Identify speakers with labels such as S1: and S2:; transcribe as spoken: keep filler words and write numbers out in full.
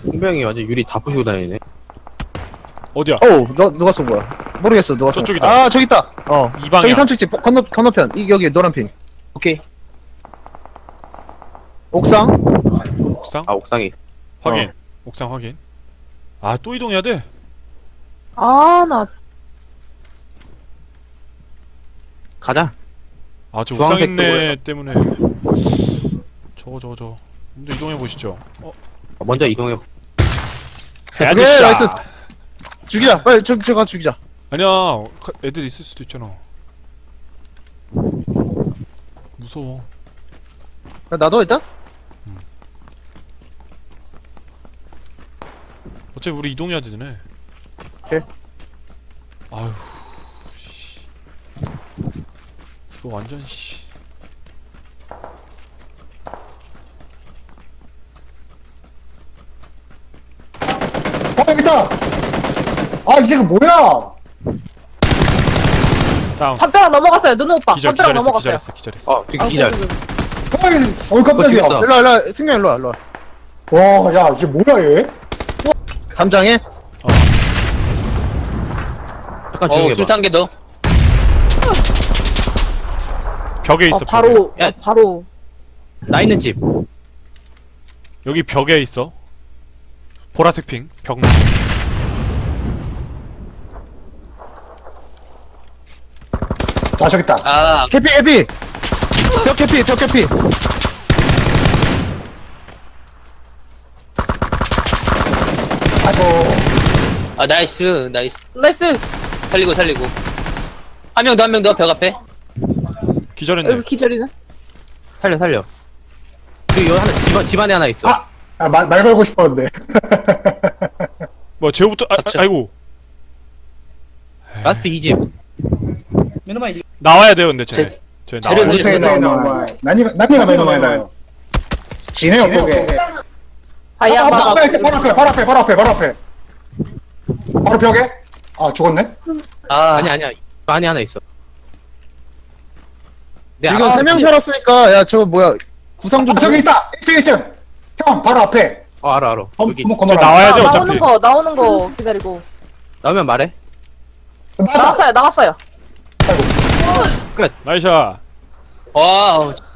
S1: 분명히 완전 유리 다 부시고 다니네.
S2: 어디야?
S3: 어우, 너, 누가 쏜 거야? 모르겠어, 누가 쏜
S2: 저쪽이다.
S3: 거야. 아, 저기 있다! 어.
S2: 이 방향.
S3: 저기 삼층집, 건너, 건너편. 이, 여기, 노란 핀.
S1: 오케이.
S3: 옥상?
S2: 옥상?
S1: 아, 옥상이.
S2: 확인.
S3: 어.
S2: 옥상 확인. 아, 또 이동해야 돼?
S4: 아, 나
S1: 가자.
S2: 아, 저 옥상
S1: 주황색
S2: 있네 때문에. 저거, 저거, 저거. 먼저 이동해 보시죠. 어,
S1: 먼저 이동해.
S2: 헤드
S3: 오케이,
S2: 샷!
S3: 나이스. 죽이자. 빨리, 저, 저가 죽이자.
S2: 아니야, 가- 애들 있을 수도 있잖아. 무서워.
S3: 야, 나도 일단?
S2: 어차피 우리 이동해야 되네.
S3: 오케이.
S2: 아휴, 씨. 이거 완전 씨.
S5: 어, 여기 있다! 아, 이제 그 뭐야!
S2: 다운.
S4: 담벼락 넘어갔어요. 누누 오빠.
S2: 기절,
S4: 담벼락
S2: 기절했어,
S4: 넘어갔어요.
S2: 기절했어, 기절했어.
S1: 어, 지금 기절.
S4: 아이고,
S5: 어, 이거, 어이, 깜짝이야.
S1: 죽였어.
S3: 일로와, 일로와. 승경 일로와, 일로와.
S5: 와, 야, 이게 뭐야, 얘?
S3: 담장에?
S1: 잠깐
S6: 어,
S1: 조용히 해봐.
S6: 술탄 더.
S2: 벽에 있어,
S4: 어,
S2: 벽에.
S4: 바로,
S1: 야.
S4: 어, 바로.
S1: 나 있는 집.
S2: 여기 벽에 있어. 보라색 핑, 벽.
S5: 아, 저기 있다.
S6: 아,
S3: 캐피, 캐피! 벽 캐피, 벽 캐피!
S5: 아이고.
S6: 아, 나이스, 나이스.
S4: 나이스.
S6: 살리고, 살리고. 한 명 더, 한 명 더, 벽 앞에.
S2: 기절했네.
S4: 여기 기절이네.
S1: 살려, 살려. 그리고 여기 하나, 집, 집 안에 하나 있어.
S5: 아! 아, 말, 말 걸고 싶었는데.
S2: 뭐, 제우부터, 아, 아,
S6: 닥쳐.
S2: 아이고.
S1: 라스트 이 집.
S2: 나와야 돼요, 근데 쟤.
S6: 제-
S2: 쟤
S6: 재료
S2: 나와야 돼.
S6: 살려.
S5: 못해, 나와. 난이가, 난이가 매너 많이 나요. 지네요, 또게.
S4: 다이아
S5: 아,
S4: 마
S5: 바로 앞에, 바로 앞에, 바로 앞에, 바로 앞에, 바로 앞에. 바로 벽에? 아, 죽었네?
S6: 아,
S1: 아니, 아니야. 집 안에 하나 있어. 내
S3: 지금
S1: 앞-
S3: 세 명 살았으니까, 야, 저거 뭐야. 구상 좀
S5: 아, 저기 있다! 일 층, 일 층! 형, 바로 앞에.
S1: 어, 알아, 알아.
S5: 건,
S1: 여기.
S5: 건물,
S2: 쟤
S5: 건물 앞에.
S2: 나와야 돼,
S4: 나,
S2: 어차피.
S4: 나오는 거, 나오는 거 기다리고.
S1: 나오면 말해.
S5: 나왔다!
S4: 나갔어요, 나갔어요.
S2: 나이샤.
S6: 와우.